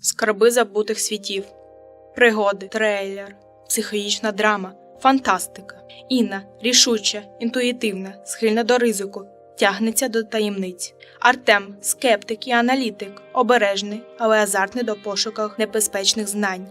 Скарби забутих світів, пригоди, трейлер, психологічна драма, фантастика. Інна рішуча, інтуїтивна, схильна до ризику, тягнеться до таємниць. Артем скептик і аналітик, обережний, але азартний до пошуках небезпечних знань.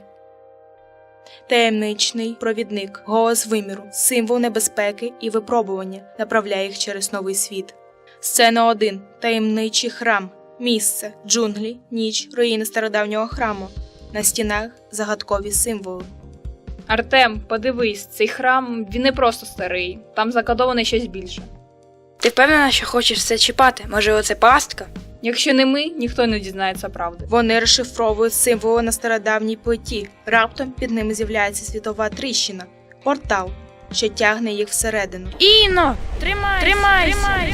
Таємничний провідник, голос виміру, символ небезпеки і випробування, направляє їх через новий світ. Сцена 1. Таємничий храм. Місце – джунглі, ніч, руїни стародавнього храму. На стінах – загадкові символи. Артем, подивись, цей храм, він не просто старий, там закодоване щось більше. Ти впевнена, що хочеш все чіпати? Може, це пастка? Якщо не ми, ніхто не дізнається правди. Вони розшифровують символи на стародавній плиті. Раптом під ними з'являється світова тріщина – портал, що тягне їх всередину. Інно! Тримайся!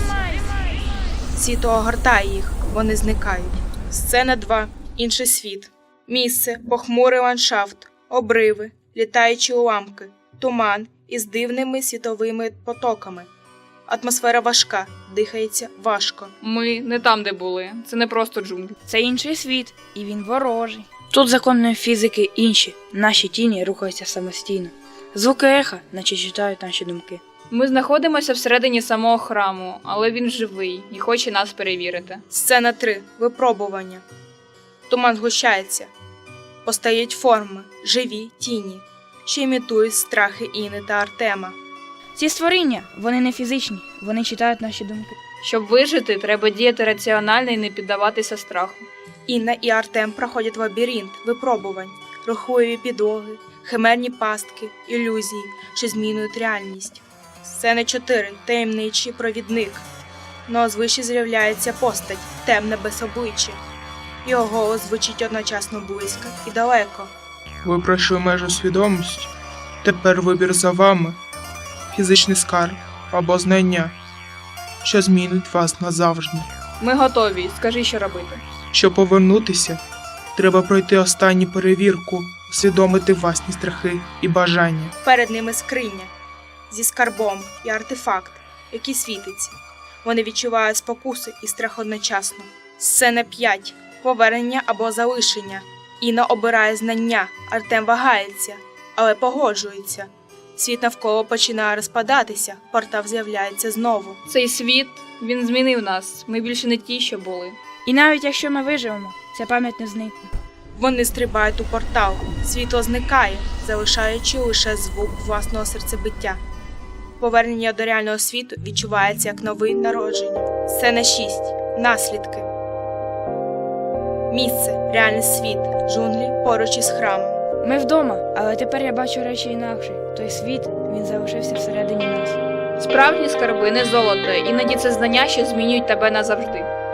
Світло огортає їх, вони зникають. Сцена 2. Інший світ. Місце – похмурий ландшафт, обриви, літаючі уламки, туман із дивними світовими потоками. Атмосфера важка, дихається важко. Ми не там, де були, це не просто джунглі. Це інший світ, і він ворожий. Тут закони фізики інші, наші тіні рухаються самостійно. Звуки еха, наче читають наші думки. Ми знаходимося всередині самого храму, але він живий і хоче нас перевірити. Сцена 3. Випробування. Туман згущається. Постають форми, живі тіні, що імітують страхи Інни та Артема. Ці створіння, вони не фізичні, вони читають наші думки. Щоб вижити, треба діяти раціонально і не піддаватися страху. Інна і Артем проходять лабіринт випробувань, рухливі підлоги, химерні пастки, ілюзії, що змінюють реальність. Сцена 4. Таємничий провідник. Но звище з'являється постать, темна без обличчя. Його голос звучить одночасно близько і далеко. Ви пройшли межу свідомості. Тепер вибір за вами. Фізичний скарб або знання, що змінить вас назавжди. Ми готові, скажи, що робити. Щоб повернутися, треба пройти останню перевірку, усвідомити власні страхи і бажання. Перед ними скриня зі скарбом і артефакт, який світиться. Вони відчувають спокуси і страх одночасно. Сцена 5. Повернення або залишення. Інна обирає знання, Артем вагається, але погоджується. Світ навколо починає розпадатися, портал з'являється знову. Цей світ, він змінив нас, ми більше не ті, що були. І навіть якщо ми виживемо, ця пам'ять не зникне. Вони стрибають у портал, світло зникає, залишаючи лише звук власного серцебиття. Повернення до реального світу відчувається як нове народження. Сцена 6. Наслідки. Місце – реальний світ, джунглі поруч із храмом. Ми вдома, але тепер я бачу речі інакше. Той світ, він залишився всередині нас. Справжні скарби не золото, іноді це знання, що змінюють тебе назавжди.